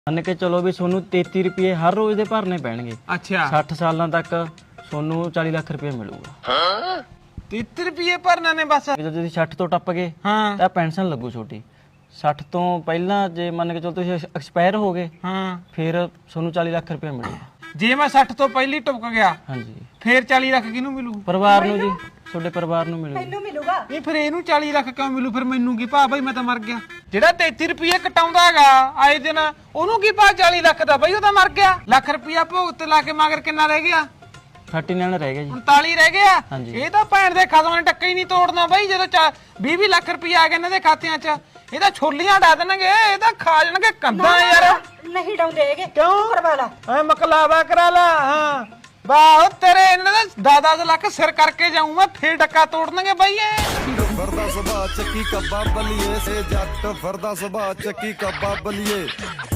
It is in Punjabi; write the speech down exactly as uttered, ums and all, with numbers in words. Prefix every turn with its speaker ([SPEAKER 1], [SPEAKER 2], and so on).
[SPEAKER 1] ਮੰਨ ਕੇ ਚਲੋ ਵੀ ਤੁਹਾਨੂੰ ਤੇਤੀ ਰੁਪਏ ਹਰ ਰੋਜ਼ ਦੇ ਭਰਨੇ ਪੈਣਗੇ।
[SPEAKER 2] ਅੱਛਾ
[SPEAKER 1] ਸੱਠ ਸਾਲਾਂ ਤੱਕ ਤੁਹਾਨੂੰ ਚਾਲੀ ਲੱਖ ਰੁਪਏ ਮਿਲੂਗਾ।
[SPEAKER 2] ਤੀਹ ਰੁਪਏ ਭਰਨਾ ਨੇ ਬਸ।
[SPEAKER 1] ਜਦੋਂ ਤੁਸੀਂ ਸੱਠ ਤੋਂ ਟੱਪ ਗਏ
[SPEAKER 2] ਹਾਂ
[SPEAKER 1] ਤਾਂ ਪੈਨਸ਼ਨ ਲੱਗੂ ਛੋਟੀ। ਸੱਠ ਤੋਂ ਪਹਿਲਾਂ ਜੇ ਮੰਨ ਕੇ ਚਲੋ ਤੁਸੀਂ ਐਕਸਪਾਇਰ ਹੋ ਗਏ
[SPEAKER 2] ਹਾਂ
[SPEAKER 1] ਫਿਰ ਤੁਹਾਨੂੰ ਚਾਲੀ ਲੱਖ ਰੁਪਏ ਮਿਲੂਗਾ।
[SPEAKER 2] ਜੇ ਮੈਂ ਸੱਠ ਤੋਂ ਪਹਿਲੀ ਟੁੱਕ ਗਿਆ
[SPEAKER 1] ਹਾਂਜੀ
[SPEAKER 2] ਫੇਰ ਚਾਲੀ ਲੱਖ ਕਿਹਨੂੰ ਮਿਲੂ?
[SPEAKER 1] ਪਰਿਵਾਰ ਨੂੰ ਜੀ, ਤੁਹਾਡੇ ਪਰਿਵਾਰ ਨੂੰ ਮਿਲੂਗਾ।
[SPEAKER 3] ਮੈਨੂੰ ਮਿਲੂਗਾ।
[SPEAKER 2] ਨਹੀਂ ਫਿਰ ਇਹਨੂੰ ਚਾਲੀ ਲੱਖ ਕਿਉਂ ਮਿਲੂ? ਫਿਰ ਮੈਨੂੰ ਕੀ ਭਾ ਬਈ, ਮੈਂ ਤਾਂ ਮਰ ਗਿਆ। ਜਿਹੜਾ ਤੇਤੀ ਰੁਪਏ ਕਟਾਉਂਦਾ ਹੈਗਾ ਆਏ ਦਿਨ, ਉਹਨੂੰ ਕੀ ਭਾ ਚਾਲੀ ਲੱਖ ਦਾ? ਬਈ ਉਹ ਤਾਂ ਮਰ ਗਿਆ। ਲੱਖ ਰੁਪਇਆ ਭੋਗ ਤੇ ਲਾ ਕੇ ਮਗਰ ਕਿੰਨਾ ਰਹਿ ਗਿਆ?
[SPEAKER 1] ਉਨਤਾਲੀ ਰਹਿ ਗਿਆ ਜੀ।
[SPEAKER 2] ਉਨਤਾਲੀ ਰਹਿ ਗਿਆ।
[SPEAKER 1] ਹਾਂਜੀ।
[SPEAKER 2] ਇਹ ਤਾਂ ਭੈਣ ਦੇ ਖਸਮਾਂ ਨੇ ਟੱਕਾ ਹੀ ਨਹੀਂ ਤੋੜਨਾ ਬਈ। ਜਦੋਂ ਵੀਹ ਵੀਹ ਲੱਖ ਰੁਪਏ ਆ ਗਏ ਇਹਨਾਂ ਦੇ ਖਾਤਿਆਂ 'ਚ, ਇਹ ਤਾਂ ਛੋਲੀਆਂ ਡਾ ਦੇਣਗੇ, ਇਹ ਤਾਂ ਖਾ ਜਾਣਗੇ ਕੰਧਾਂ ਯਾਰ।
[SPEAKER 3] ਨਹੀਂ ਡਾਉਂਦੇ ਹੈਗੇ।
[SPEAKER 2] ਕਿਉਂ?
[SPEAKER 3] ਕਰਵਾ ਲਾ।
[SPEAKER 2] ਐ ਮਕਲਾਵਾ ਕਰਾ ਲਾ। ਹਾਂ ਵਾਹ ਤੇਰੇ ਇਹਨਾਂ ਦਾ ਦਸ ਲੱਖ ਸਿਰ ਕਰਕੇ ਜਾਊਂ ਮੈਂ, ਫੇਰ ਡੱਕਾ ਤੋੜਨਗੇ ਬਈ ਇਹ।
[SPEAKER 4] ਫਰਦਾ ਸੁਭਾ ਚੱਕੀ ਕੱਬਾ ਬਲੀਏ ਸੇ ਜੱਟ, ਫਰਦਾ ਸੁਭਾ ਚੱਕੀ ਕੱਬਾ ਬਲੀਏ।